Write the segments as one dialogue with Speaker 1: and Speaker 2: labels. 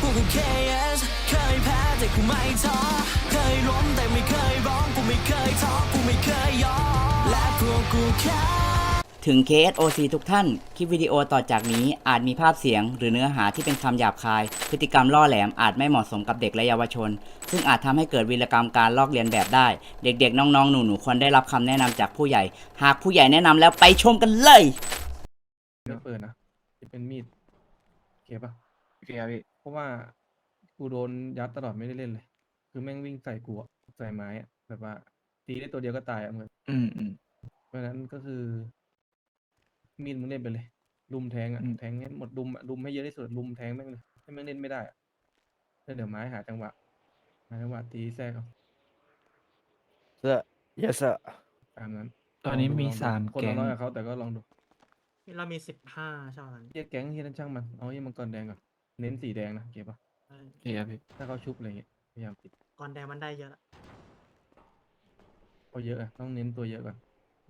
Speaker 1: กู KS เคยแพ้แต่กูไม่ท้อเคยล้มแต่ไม่เคยร้องกูไม่เคยท้อกูไม่เคยยอมและพวกกูแค่
Speaker 2: ถึง KSOC ทุกท่าน คลิปวิดีโอต่อจากนี้อาจมีภาพเสียงหรือเนื้อหาที่เป็นคำหยาบคาย พฤติกรรมล่อแหลมอาจไม่เหมาะสมกับเด็กและเยาวชน ซึ่งอาจทำให้เกิดวีรกรรมการลอกเลียนแบบได้ เด็กๆ น้องๆ หนูๆ ควรได้รับคำแนะนำจากผู้ใหญ่ หากผู้ใหญ่แนะนำแล้วไปชมกันเลย
Speaker 3: ไม่เปิดนะจะเป็นมีดโอเคปะ
Speaker 4: โอเคครับพี่
Speaker 3: เพราะว่ากูโดนยัดตลอดไม่ได้เล่นเลย คือแม่งวิ่งใส่กูอะใส่ไม้อะแบบว่าตีได้ตัวเดียวก็ตายอะเหมือน
Speaker 4: อืม
Speaker 3: เพราะฉะนั้นก็คือมีดมึงเล่นไปเลย ลุมแทงอะ
Speaker 4: อืม
Speaker 3: แทงให้หมดลุมอะลุมให้เยอะที่สุดลุมแทงแม่งเลยให้แม่งเล่นไม่ได้อะแล้วเดี๋ยวไม้หาจังหวะตีแทรกเอา
Speaker 5: เสื้อ yes sir
Speaker 3: ตามนั้น
Speaker 4: ตอนนี้มี
Speaker 3: ลงดู
Speaker 4: 3
Speaker 3: คน
Speaker 4: แก๊
Speaker 3: เรา
Speaker 4: ง
Speaker 3: น้อยกับเขาแต่ก็ลองดู
Speaker 6: เรามี15ใช่ไหม
Speaker 3: เรียกแก๊งที่นั่นช่างมันเอาที่มังกรแดงก่อนเน้นสีแดงนะเก็บปะ
Speaker 6: เออ
Speaker 4: โอเคครับพี่
Speaker 3: ถ้าเขาชุบอะไรเงี้ยพยายามปิด
Speaker 6: ก่อนแดงมันได้เยอะละ
Speaker 3: เขาเยอะอะต้องเน้นตัวเยอะก่อน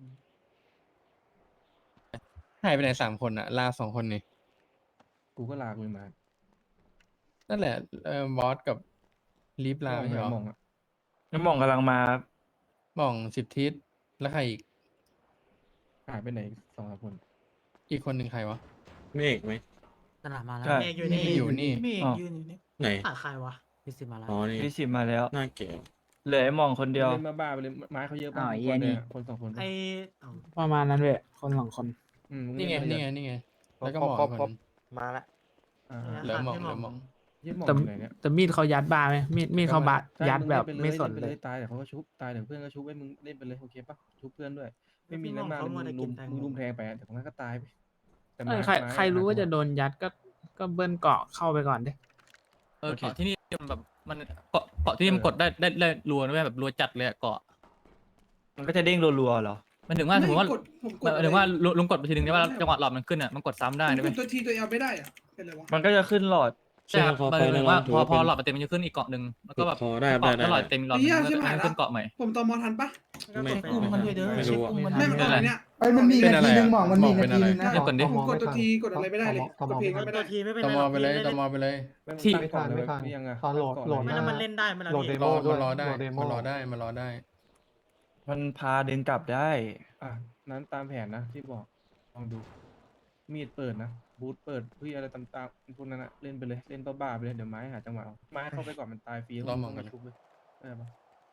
Speaker 4: หายไปไหน3 คนอะลา2 คนนี่
Speaker 3: กูก็ลากมึงมา
Speaker 4: นั่นแหละบอสกับลีฟลาไม่ใช่เหรอ
Speaker 3: มองอะ
Speaker 7: น้ำมองกำลังมา
Speaker 4: หม่อง10 ทิศแล้วใครอีก
Speaker 3: หายไปไหนสองสามคน
Speaker 4: อีกคนหนึ่งใครวะ
Speaker 8: เมฆไหม
Speaker 6: ตลาดมาแล้ว
Speaker 7: ใช่
Speaker 6: เมฆอยู่นี่
Speaker 4: อยู่นี่
Speaker 6: เมฆ
Speaker 7: อ๋อ
Speaker 6: ยืนอยู่นี่
Speaker 8: ไหน
Speaker 6: ขาดใครวะพิสิมาแล้ว
Speaker 8: อ๋อ นี่
Speaker 7: พี่สิบมาแล้ว
Speaker 8: หน้าเก๋
Speaker 7: เหลือไอ้มองคนเดียว
Speaker 3: เล่นบ้าๆไปเลยไม้เขาเยอะ
Speaker 2: อ้าว
Speaker 3: มาก
Speaker 2: ไอ้เหี้ยนี่
Speaker 3: คนสองคน
Speaker 6: ไอ
Speaker 9: ประมาณนั้นเลยคนสองคน
Speaker 3: มึ
Speaker 4: นี่ไง
Speaker 3: เล่
Speaker 4: นี่ไง
Speaker 3: ป
Speaker 4: แล้วก็หม่องอีกคนหนึ่ง
Speaker 5: มาละ
Speaker 3: อ่า
Speaker 4: เหลือหม่องเหลือหม่อง
Speaker 3: ยี่หมอง
Speaker 9: แต่
Speaker 3: อยู่ไหนเนี่ย
Speaker 9: แต่มีดเขายัดบาร์ไหมมีดเขาบาด
Speaker 3: ใช่
Speaker 9: ยัดแบบ
Speaker 3: ง
Speaker 9: ไม่
Speaker 3: เล่
Speaker 9: สน
Speaker 3: ไป
Speaker 9: เล
Speaker 3: เลย ยตายเดี๋ยวเขาก็ชุบตายเดี๋ยวเพื่อนก็ชุบไว้มึงเล่นไปเลยโอเคปะชุบเพื่อนด้วย ไม่มีอะไรมากเลยมึงลุมแทงไปเดี๋ยวมันก็ตายไปแต่
Speaker 9: เออใคร
Speaker 3: ไม้
Speaker 9: ใครรู้ว่าจะโดนยัดก็เบิ้ลเกาะเข้าไปก่อนดิ
Speaker 10: เกาะที่นี่มันแบบมันเกาะที่นี่มันกดได้รัวนะเว้ยแบบรัวจัดเลยอะเกาะ
Speaker 7: มันก็จะเด้งรัวๆเหรอ
Speaker 10: มันถึงว่าสมมติว่า
Speaker 11: ผมก
Speaker 10: มั
Speaker 11: ด
Speaker 10: นถึงว่าลุงกดไปทีนึงเนี่ยว่าจังหวะหลอดมันขึ้นอ่ะมันกดซ้ำได้
Speaker 11: ผม
Speaker 10: นะ
Speaker 11: ก
Speaker 10: เว้
Speaker 11: ด
Speaker 10: ย
Speaker 11: ตัวทีตัวเอลไม่ได้อะเป็นไรวะ
Speaker 7: มันก็จะขึ้นหลอด
Speaker 10: ใช่ครับ
Speaker 8: พอ
Speaker 10: มัน
Speaker 8: ไป
Speaker 10: ถึง
Speaker 8: แล้ว
Speaker 10: ว่า
Speaker 8: ถือ
Speaker 10: พอ
Speaker 8: ว่า
Speaker 10: พอ
Speaker 8: เป็น
Speaker 10: หลอดมันเต็มมันจะขึ้นอีกเกาะหนึ่งแล้วก็แบบ
Speaker 8: พอได้
Speaker 10: เกาะ
Speaker 8: ได้
Speaker 10: ถ้าหลอดเต็มหลอด
Speaker 11: ไอ้เหี้ย
Speaker 10: มัน
Speaker 11: ใช่
Speaker 10: ก็
Speaker 11: ไหม
Speaker 10: จะขึ้นเกาะใหม่
Speaker 11: ผมตอมอทันปะ
Speaker 8: ไม่
Speaker 6: เช็คอุ้มมันด้วยเด้อ
Speaker 8: ไม่
Speaker 6: เช็ค
Speaker 8: รู้
Speaker 6: อุ้มมัน
Speaker 11: ไม่
Speaker 6: ด้วย
Speaker 11: มันกดอะไรเนี่ย
Speaker 5: เอ้ยมันมี
Speaker 4: เป็น
Speaker 5: นา
Speaker 4: อะไร
Speaker 5: ทีหนึ่ง
Speaker 4: อะ
Speaker 5: หมองมันมี
Speaker 4: เป็น
Speaker 5: นา
Speaker 4: อะ
Speaker 5: ที
Speaker 4: ไร
Speaker 5: หนึงนะ
Speaker 10: เดี๋ยวก่อนดิ
Speaker 11: ผมกดตัวทีกดอะไรไม่ได้เลยกดเพลงก็ไม่
Speaker 6: ตั
Speaker 11: ได้
Speaker 6: วทีไม่เป็น
Speaker 4: ต
Speaker 6: ไร
Speaker 4: มอไปเลยตมอไปเลย
Speaker 10: ที่
Speaker 3: ไม่ทันไม่ทันยังไง
Speaker 5: ตอนโหลด
Speaker 6: ไม่แล้วมันเล่นได้ไหมล่ะพี่
Speaker 4: รอได้มันรอได้
Speaker 7: มันพาดึงกลับได้
Speaker 3: อ่ะนั้นตามแผนนะที่บอกลองดูมีดเปิดนะบูทเปิดเพื่ออะไรตามๆพวกนั้นอะเล่นไปเลยเล่นบ้าๆไปเลยเดี๋ยวไม้หาจังหวะเอาไม้เข้าไปก่อนมันตายฟรี
Speaker 4: รอมองกัน
Speaker 3: ชุบเลยได้ปะ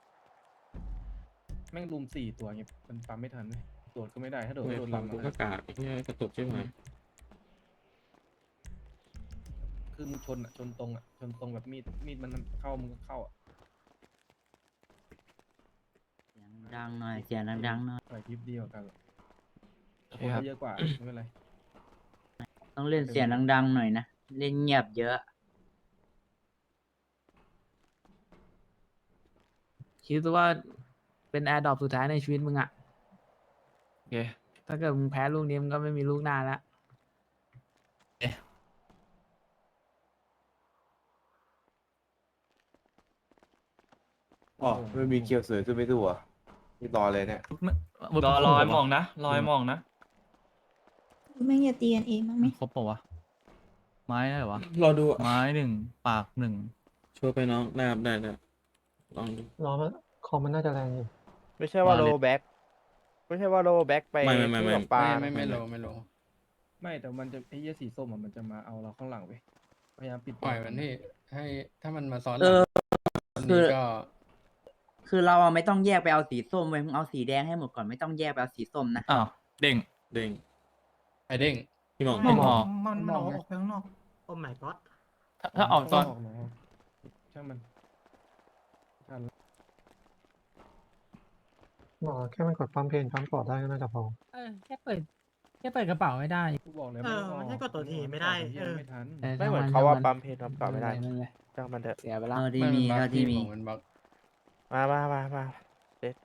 Speaker 3: แม่งลุม4 ตัวเงี้ยมันปั๊มไม่ทันเลยโดดก็ไม่ได้ถ้าโดด
Speaker 8: ไม่
Speaker 3: ก็โดน
Speaker 8: ฟัง
Speaker 3: ลำ
Speaker 8: กู
Speaker 3: อะ
Speaker 8: ก็กากเนี่ยกระตุกใช่ไหม
Speaker 3: คือมึงชนอะชนตรงอะชนตรงแบบมีดมันเข้ามึงก็เข้าอะ
Speaker 2: เสียงดังหน่อยเสียงดังๆหน่อย
Speaker 3: ปล่อยคลิปดีกว่ากันหรอก
Speaker 7: โอ
Speaker 3: ค
Speaker 7: เคน ครับ
Speaker 3: เยอะกว่าไม่เป็นไร
Speaker 2: ต้องเล่นเสียงดังๆหน่อยนะเล่นเงียบเยอะ
Speaker 9: คิดว่าเป็นแอร์ดรอปสุดท้ายในชีวิตมึงอะ
Speaker 7: โอเค
Speaker 9: ถ้าเกิดมึงแพ้ลูกนี้มึงก็ไม่มีลูกหน้าแล้ว
Speaker 5: อ๋อไม่มีเคียวเสือขึ้นไม่ถูกอ่ะนี่ต่อเลยเนี่ย
Speaker 7: รอไอ้มองนะรอไอ้มองนะ
Speaker 11: ไม่อย่าตีกันเองมั้งไหม
Speaker 10: ครบเปล่าวะไม้ได้เหรอวะ
Speaker 8: รอดู
Speaker 10: ไม้1 ปาก 1
Speaker 8: ช่วยไปน้องได้ครับได้ลองดู
Speaker 5: รอมันคอมมันน่าจะแรงอยู่
Speaker 6: ไม่ใช่ว่า
Speaker 10: มาเลย
Speaker 6: โลแบ็กไม่ใช่ว่าโลแบ็กไป
Speaker 8: ไม่
Speaker 6: ที่ตกปลา
Speaker 4: ไม่โล
Speaker 3: ไม่แต่มันจะไอ้เหี้ยสีส้มอะมันจะมาเอาเราข้างหลังไปพยายามปิด
Speaker 4: ปล่อยมันที่ให้ถ้ามันมาซ้อน
Speaker 2: เออ
Speaker 4: ตอน
Speaker 2: คื
Speaker 4: นี้
Speaker 2: อ
Speaker 4: ก็
Speaker 2: คือเราอะไม่ต้องแยกไปเอาสีส้มเว้ยมึงเอาสีแดงให้หมดก่อนไม่ต้องแยกไปเอาสีส้มนะ
Speaker 10: อ้าวเด้ง
Speaker 8: เด้ง
Speaker 4: ไอเด้ง
Speaker 8: พี่หมอง
Speaker 10: ไม่พอ
Speaker 6: มันออกไปข้างนอกโอ้ my god
Speaker 10: ถ้าออกซ้อน
Speaker 3: เนาะช่างมันทันละ
Speaker 5: หมอแค่มันกดปั๊มเพนปั๊มปอดได้ก็น่าจะพอ
Speaker 9: แค่เปิดกระเป๋าไม่ได้
Speaker 3: กูบอกเลย
Speaker 6: เออมันให้กดตัวทีไม่ได้
Speaker 3: เหี้ยไม่ทัน
Speaker 6: ไม่เหมือนเขาว่าปั๊มเพนปั๊มเก่าไม่ได้ จ้างมันเถอะ
Speaker 9: เสียไปแล้ว
Speaker 2: เอาที่มีเอาที่มี
Speaker 4: มันบัก
Speaker 6: มาเซ็ต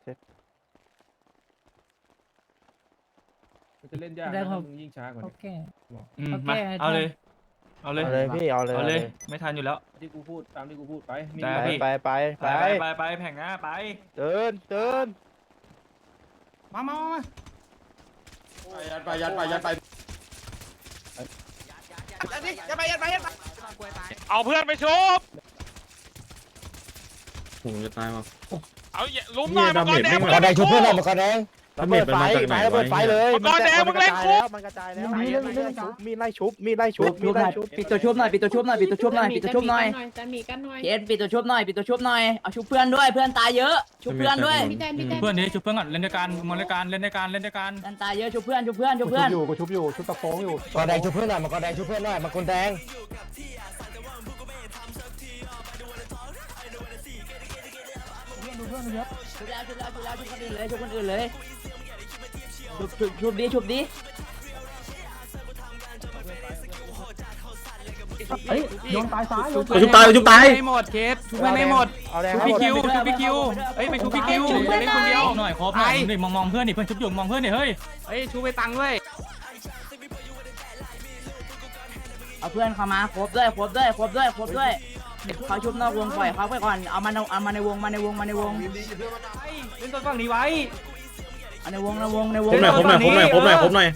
Speaker 3: มันจะเล่นยาก
Speaker 9: ได้
Speaker 3: นะครับ มึงยิ่งช้ากว่า
Speaker 9: โอ
Speaker 3: นี้
Speaker 9: เค
Speaker 7: อืม
Speaker 9: โอเค
Speaker 7: มาเอาเลย เอาเลย
Speaker 6: เอาเลยพี่เอาเลย
Speaker 7: เอาเลย ไม่ทันอยู่แล้ว
Speaker 3: ที่กูพูดตามที่กูพูดไปมี
Speaker 7: ได้
Speaker 3: อะไร
Speaker 7: พี่
Speaker 6: ไป
Speaker 7: ไปแผงหน้าไป
Speaker 6: เดิน
Speaker 7: มา
Speaker 5: ยัดไปยัดไปยัดไป
Speaker 6: ยัดไปเอาเพื่อนไปชุบ
Speaker 8: ผมจะตายว่ะ
Speaker 6: เอาลุ้มหน่อย
Speaker 8: เหี้ย
Speaker 6: มังกรแดง
Speaker 8: ดาเมจไม่
Speaker 6: มึง
Speaker 8: มา
Speaker 6: เล่นในคุก
Speaker 5: มังกรแดง
Speaker 8: ระเบิดไฟไม้ระเบิดไฟเลย
Speaker 6: มังกรแดงมึงเล่นคุก
Speaker 5: มันกระจายแล้ว
Speaker 6: มีไล่ชุบมีไล่ชุบมีไล่ชุบ
Speaker 2: ปิดตัวชุบหน่อยปิดตัวชุบหน่อยปิดตัวชุบหน่อยปิดตัวชุบหน่อย
Speaker 11: จะมีกันหน่อย
Speaker 2: เคสปิดตัวชุบหน่อยปิดตัวชุบหน่อยเอาชุบเพื่อนด้วยเพื่อนตายเยอะชุบเพื่อนด้วย
Speaker 11: พี่แดนพี่แดน
Speaker 10: เพื่อนนี้ชุบเพื่อนก่อนเล่นด้วยกันมองเล่นด้วยกันเล่นด้วยกันเล่นด้วยกัน
Speaker 2: เพื่อนตายเยอะชุบเพื่อนชุบเพื่อนชุบเพื่อน
Speaker 5: มังกรแดงชุบเพื่อนหน่อยมังกรแดงชุบเพื่อนหน่อยมังกรแดง
Speaker 2: ชุบแล้วชุบแล้วชุบแล้วชุบคนอื่นเลยชุบคนอื่นเลยชุบดิชุบดิเฮ้ยโยนตายซ้าย
Speaker 8: ชุบตายชุบตาย
Speaker 10: ไม่หมดเคสชุบเพื่อนไม่หมด
Speaker 6: เอาแดง
Speaker 10: ชุบพี่คิวชุบพี่คิวเอ้ยไปชุบพี่คิวเล่นคนเดียวหน่อยครบหน่อยนี่มองเพื่อนนี่เพื่อนชุบอยู่มองเพื่อนนี่เฮ้ยเฮ้ยชุบไปตังด้วย
Speaker 2: เอาเพื่อนเข้ามาครบด้วยครบด้วยครบด้วยครบด้วยเขาชุบนอกวงปล่อยเขาไปก่อนเอามาในวงมาในวงมาในวง
Speaker 7: เล่นตัวฝั่งนี้ไว้
Speaker 2: เอาในวงในวงในว
Speaker 8: ผ
Speaker 2: ง
Speaker 8: มหน่อยผมหน่อยผมหน่อยผมหน่อยผมหน่อย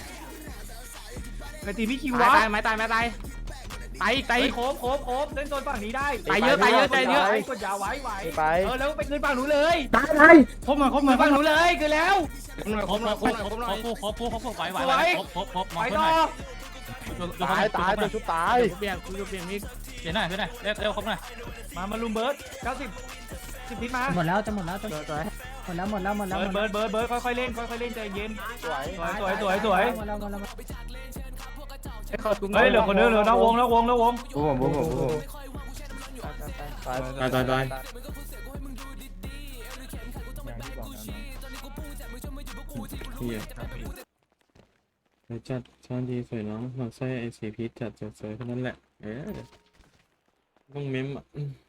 Speaker 7: ไปตีพี่คิว
Speaker 10: ตา
Speaker 7: วะ
Speaker 10: ยไม่ตายไม่ตายตายอีกตายอีก
Speaker 7: โคบเล่นตัวฝั่งนี้ได้
Speaker 10: ตายเยอะตายเยอะตายเยอะ
Speaker 7: ไว้กดยาไว้ไหว
Speaker 6: ไป
Speaker 7: แล้วไปคืนฝั่งหนูเลย
Speaker 10: ตายเลยครบหน่อย
Speaker 7: ฝั่งหนูเลยคือแล้ว
Speaker 10: ครบไหวมอง
Speaker 7: ไป
Speaker 10: เพื่อน
Speaker 7: ต่
Speaker 10: ห
Speaker 7: อ
Speaker 10: น่อย
Speaker 6: ตายตัวชุบตาย
Speaker 10: เปลี่ยนมีเปลี่ยนหน่อยเร็วครบหน่อย
Speaker 7: มาลุมเบิร์ด90 10พิษมา
Speaker 9: หมดแล้วจะหมดแล้วจะหมดแล้ว
Speaker 7: เบิร์ดค่อยๆเล่นใจเย็น
Speaker 6: สวย
Speaker 7: สวย
Speaker 9: หมดแล้ว
Speaker 7: เฮ้ยเหลือคนนึงเหลือนอกวง
Speaker 5: ผม
Speaker 8: ตาย เฮียไปจัดช้อนดีสวยน้องหมักไส้ไอสีพีชจัดสวยๆแค่นั้นแหละต้องเม้มอ่ะ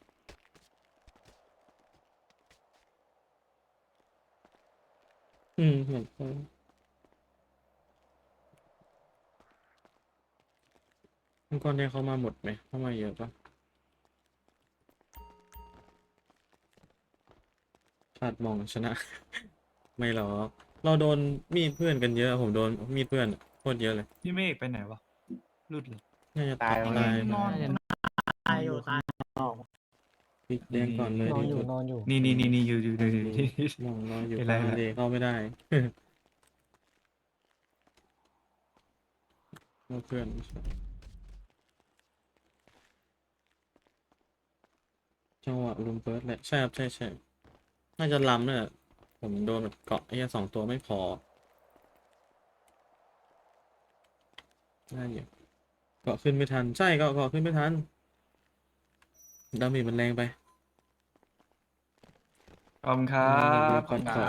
Speaker 8: หมักไส้มังกรแดงเขามาหมดไหมเข้ามาเยอะปะขาดมองชนะ ไม่หรอกเราโดนมีดเพื่อนกันเยอะผมโดนมีดเพื่อนโคตรเยอะเลย
Speaker 7: พี่เมฆไปไหนวะรุดเลย
Speaker 8: น่าจะตาย
Speaker 9: ตายอยู่ตาย
Speaker 8: ปิดแดงก่อนเลยดีสุด
Speaker 7: นี่อยู่
Speaker 8: มองรออยู่
Speaker 7: เป็นไร
Speaker 8: ทะเลเข้าไม่ได้ เพื่อนจังหวะลุมเฟิร์สแหละใช่ครับใช่น่าจะล้ำเนี่ยผมโดนแบบเกาะไอ้สองตัวไม่พอได้อยู่เกาะขึ้นไม่ทันใช่เกาะขึ้นไม่ทันดาเมจมันแรงไป
Speaker 7: ขอบคุณครับ
Speaker 8: ขอบคุณครับ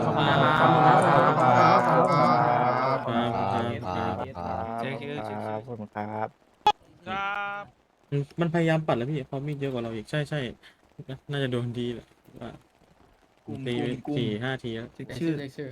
Speaker 7: เจ๊คือ
Speaker 6: ครับขอบคุณครับ
Speaker 8: มันพยายามปัดแล้วพี่เขามีดเยอะกว่าเราอีกใช่น่าจะโดนดีแหละว่าตีไป4-5 ทีแล้ว
Speaker 7: ชื่อ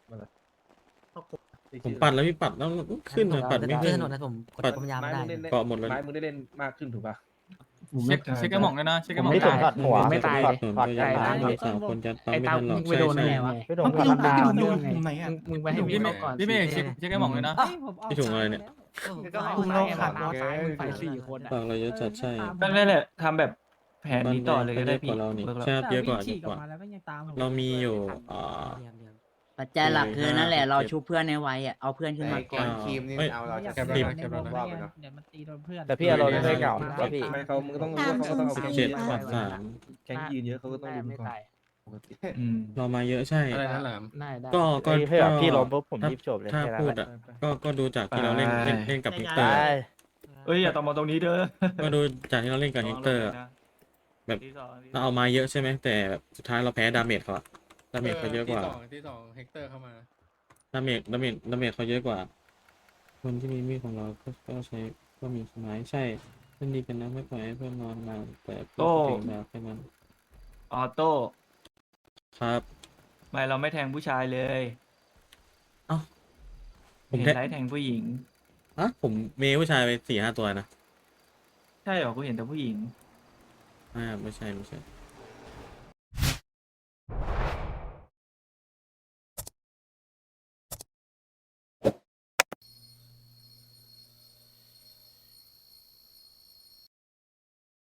Speaker 8: ผมปัดแล้วพี่ปัดแล้วขึ้นอะปัดไม่ขึ้น ปัด
Speaker 3: ไม้มึงได้เล่น
Speaker 8: เกาะหมดเลย
Speaker 3: ไม้มึงได้เล่นมากขึ้นถูกปะ
Speaker 10: เช็คกระหม่อมเลยนะเช็คกระหม่อม
Speaker 6: ไม่ถึงตัดหัว
Speaker 9: ไม่ตาย
Speaker 6: ถอด
Speaker 8: ส่วน
Speaker 6: ถอด
Speaker 8: พ
Speaker 6: ใจ
Speaker 8: ยายาม
Speaker 6: นะ
Speaker 8: สามคนยัดปั๊ม
Speaker 9: ไอ้
Speaker 8: ไม่
Speaker 9: ตา
Speaker 8: ทันหรอก
Speaker 9: มึงไปโดนได้ไงวะ
Speaker 6: ไม่โดนธรรมดา
Speaker 9: มึงไปให้มีก่อน
Speaker 10: พี่เมฆเช็คกระหม่อมเลยนะ
Speaker 8: พี่ถุงอะไรเนี่ย
Speaker 9: มึงลงขาดซ้ายมึงไป4 คน
Speaker 8: ฝากเราเยอะจัดใช่
Speaker 7: นั่นแหละทำแบบแผนนี้ต่อเลยก็ได้
Speaker 8: เยอะก
Speaker 7: พี่
Speaker 8: ว่าเรานี่
Speaker 7: เบิกแล้ว
Speaker 8: ใช่เยอะกว่าเรามีอยู่
Speaker 2: ปัจจัยหลักคือนั่นแหละเราชุบเพื่อนในวัยอ่ะเอาเพื่อนขึ้นมาก่อน
Speaker 5: ครีมนี่เอาเราจะ
Speaker 8: แคปรีบ
Speaker 9: เดี๋ยวมันตีโดนเพื่อน
Speaker 6: แต่พี่อารมณ์ไม่ได้เหงาแล้วพี่
Speaker 3: ไม่เขามึงต้องรู้ว่าเขาก็ต้องเอา
Speaker 8: 17ปัด3
Speaker 3: แข่งยืนเยอะเขาก็ต้องดู
Speaker 9: ไม่
Speaker 3: ก่อน
Speaker 9: ตาย
Speaker 3: ปกติ
Speaker 8: เรามาเยอะใช่
Speaker 4: อะไรนั่นแหละ
Speaker 9: ได้ได้
Speaker 8: ก็
Speaker 6: พี่ล้มปุ๊บผมรีบจบเลย
Speaker 8: ถ้า
Speaker 6: แค่นั้น
Speaker 8: พูด
Speaker 6: แหละ
Speaker 8: อ่ะก็ดูจากที่เราเล่นกับเฮกเตอ
Speaker 6: ตา
Speaker 8: ร์
Speaker 6: ย
Speaker 7: เอ้ยอย่าต่อมาตรงนี้เด้อ
Speaker 8: ก็ดูจากที่เราเล่นกับเฮกเตอร์ แบบเราเอามาเยอะใช่ไหมแต่แบบสุดท้ายเราแพ้ดาเมจเขาอะดาเมจเขาเยอะกว่า
Speaker 4: ที่สองเฮกเตอร์เข้ามา
Speaker 8: ดาเมจเขาเยอะกว่า คนที่มีมีดของเราก็ใช้ก็มีไม้ใช่เล่นดีกันนะไม่ปล่อยให้เพื่อนนอนมาแต่เพื่อนเก่งแบบแค่นั้น
Speaker 7: ออโต้
Speaker 8: ครับ
Speaker 7: ไม่เราไม่แทงผู้ชายเลย
Speaker 8: ผม
Speaker 7: เห็น
Speaker 8: แท้
Speaker 7: ไลท์แทงผู้หญิง
Speaker 8: ผมเมย์ผู้ชายไป4-5 ตัวนะ
Speaker 7: ใช่เหรอกูเห็นแต่ผู้หญิง
Speaker 8: ไม่ใช่